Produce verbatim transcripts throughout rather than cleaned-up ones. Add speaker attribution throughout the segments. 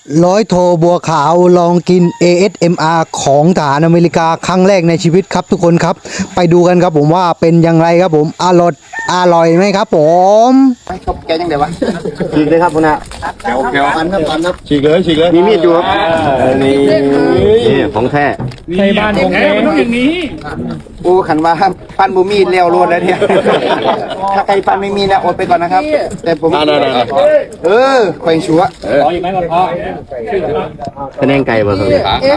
Speaker 1: ร้อยโทบัวขาวลองกิน เอ เอส เอ็ม อาร์ ของทหารอเมริกาครั้งแรกในชีวิตครับทุกคนครับไปดูกันครับผมว่าเป็นยังไงครับผมอร่อยอร่อยไหมครับผมชอบแกยังไงวะฉีกเลยครับคุณอาแกวแกวปันครับปันครับฉีกเลยฉีกเลยมีมีดอยู่ครับนี่นี่ของแท้
Speaker 2: ใช่บ้านของแท้มันต้องอย่างนี้
Speaker 1: โอ้ขันมาปันบูมีดเลี้ยวรวดแล้วเนี่ยถ้าใครปันไม่มีนะอดไปก่อนนะครับแต่ผมเออแขวงชัว
Speaker 2: พออีกไหมก่อนพอ
Speaker 3: คะแนนไก่บ่ครับ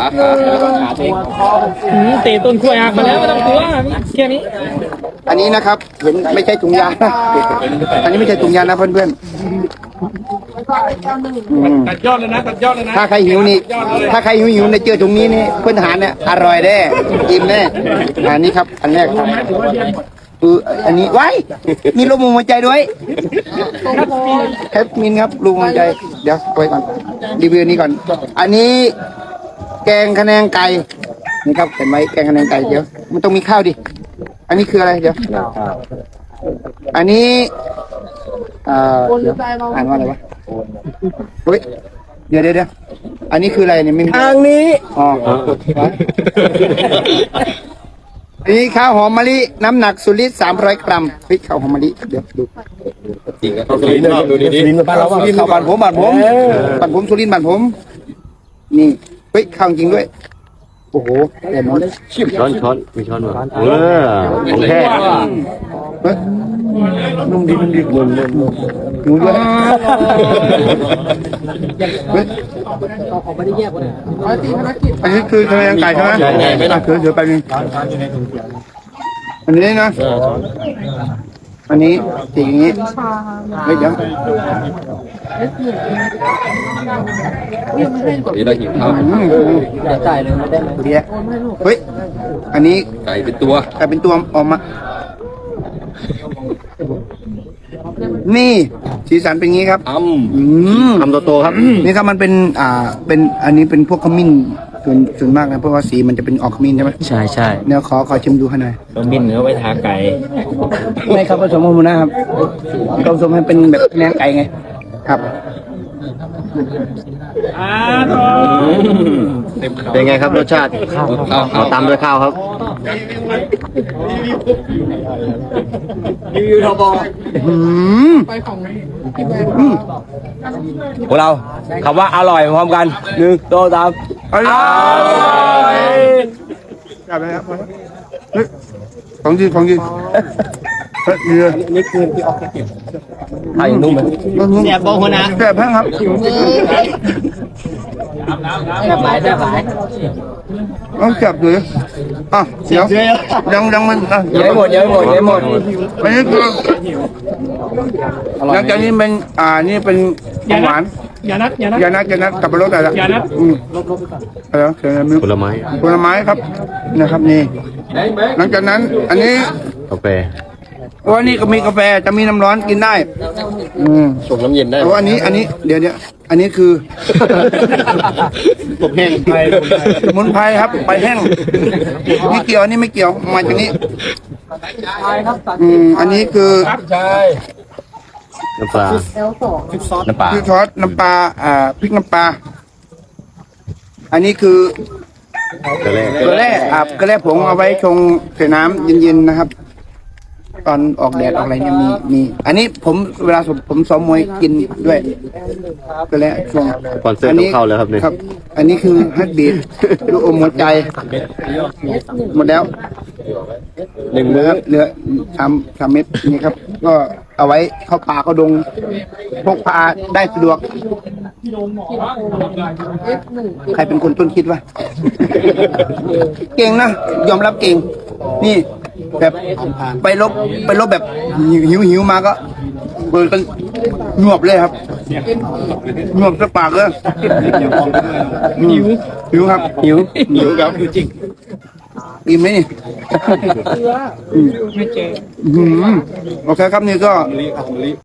Speaker 2: เตะต้นกล้วยหักมาแล้วไม่ต้องกลัวแค่นี้
Speaker 1: อันนี้นะครับเห็นไม่ใช่ถุงยางนะอันนี้ไม่ใช่ถุงยางนะเพื่อนๆ
Speaker 2: ตัดยอดเลยนะตัดยอดเลยนะ
Speaker 1: ถ้าใครหิวนี่ถ้าใครหิวหิวในเจอถุงนี้นี่เพื่อนทหารเนี่ยอร่อยแน่อิ่มแน่อันนี้ครับอันแรกครับเอออันนี้ไว้มีลูกหัวใจด้วยแคปมินครับลูกหัวใจเดี๋ยวไว้ก่อนรีวิวนี้ก่อนอันนี้แกงคะแนนไก่นี่ครับเห็นไหมแกงคะแนนไก่เดี๋ยวมันต้องมีข้าวดิอันนี้คืออะไรเดี๋ยวอันนี้อ่าอ่านว่าอะไรวะเฮ้ยเดี๋ยวเดี๋ยวเดี๋ยวอันนี้คืออะไรเนี่ยไม่มี
Speaker 3: ทางนี้
Speaker 1: อ๋ออันนี้ข้าวหอมมะลิน้ำหนักสุริตสามร้อยกรัมพริกข้าวหอมมะลิเดี๋ยวดู
Speaker 3: จริงครับสุรินทร์ดูดีๆ
Speaker 1: บ้านเราสุรินทร์ข้าวบ้านผมบ้านผมบ้านผมสุรินทร์บ้านผมนี่เฮ้ยข้าวจริงด้วยโอ้โหแต่มัน
Speaker 3: ชิมช้อนช้อนมีช้อนมั้ยเออของแท้
Speaker 1: นุ่มดีนุ่มดีนุ่มนุ่มนุ่มนุ่มด้วยอันนี้คือทะเลไก่ใช่ไหมไม่ต้องคือเดี๋ยวไปนึงอันนี้นะอันนี้สีอย่างนี้ไม่เดี๋ยว
Speaker 3: นี่เราหิวข้าว
Speaker 1: ไก่เลยไม่ได้ไหมเดี๋ยวเฮ้ยอันนี้
Speaker 3: ไก่เป็นตัว
Speaker 1: ไก่เป็นตัวออกมานี่สีสันเป็นงี้ครับ
Speaker 3: ทำทำโตๆครับ
Speaker 1: นี่ครับมันเป็นอ่าเป็นอันนี้เป็นพวกขมิ้นส่วนส่วนมากนะเพราะว่าสีมันจะเป็นออกขมิ้นใช่ไหม
Speaker 3: ใช่ใช่
Speaker 1: เดี๋ยวขอขอชิมดูให้หน่อย
Speaker 3: ขมิ้นเนื้อไว้ทาไก่
Speaker 1: ไม่ครับผสมกับหมูนะครับผสมให้เป็นแบบแนงไก่ไงครับ
Speaker 3: เป็นไงครับรสชาติข้าวข้าวตามด้วยข้าวครับ
Speaker 1: รีวิวทบ
Speaker 3: พวกเราคำว่าอร่อยพร้อมกันหนึ่งสองสาม
Speaker 1: อร่อยจับไปครับของจริงของจริงนี่คือที่ออกเก็บ
Speaker 3: ไข่นุ่มไหม
Speaker 1: แซ่บบ้างนะแซ่บแห้งครับ
Speaker 2: แซ่บหลายแซ่บหลาย
Speaker 1: ต้องจับดูอ่ะเดี๋ยวยังยังมันอ่ะ
Speaker 3: ยังไม่หมดยังไม่หมดยังไม่หมด
Speaker 1: อันนี้คือหลังจากนี้เป็นอ่านี่เป็นหวาน
Speaker 2: ยานัดยานัด
Speaker 1: ยานัดยานัดกับปลาโรสอะไรละ
Speaker 2: ยานัด
Speaker 1: อืมอะไรเขียนอะไร
Speaker 3: ผลไม้
Speaker 1: ผลไม้ครับนะครับนี่หลังจากนั้นอันนี้
Speaker 3: กาแฟ
Speaker 1: ว่านี่ก็มีกาแฟจะมีน้ำร้อนกินได้อืม
Speaker 3: ส่งน้ำเย็นได้
Speaker 1: แต่ว่าอันนี้อันนี้เดี๋ยวเดี๋ยวอันนี้คือ
Speaker 3: ผมแห้ง
Speaker 1: สมุนไพรครับไปแห้งนี่เกี่ยวอันนี้ไม่เกี่ยวมาจากนี้อืมอันนี้คือ
Speaker 3: น้ำปลา
Speaker 1: พริกซอสน้ำปลาพริกซอสน้ำปลาอ่าพริกน้ำปลาอันนี้คือ
Speaker 3: เกลือ
Speaker 1: เกลือแร่อ่าเกลือแร่ผงเอาไว้ชงใส่น้ำเย็นๆนะครับตอนออกแดดออกอะไรเนี่ยมีมีอันนี้ผมเวลาผมซ้อมมวยกินด้วยก็แล้วช่วง
Speaker 3: อันนี้เข้าแล้วครับเนี่ย
Speaker 1: ครับอันนี้คือฮัตบีทลูกอมหัวใจหมดแล้ว
Speaker 3: หนึ่งมื้อ
Speaker 1: เหลือสามสามเม็ดนี่ครับก็เอาไว้เข้าป่าเข้าดงพกพาได้สะดวกใครเป็นคนต้นคิดวะเก่งนะยอมรับเก่งนี่แบบไปลบไปลบแบบหิวหิวมาก็เปิดกันหยวบเลยครับหยวบสปากเลยหิวหิวครับหิวหิวครับจริงอิ่มไหมนี่
Speaker 2: ไม่เจอ
Speaker 1: โอเคครับนี่ก็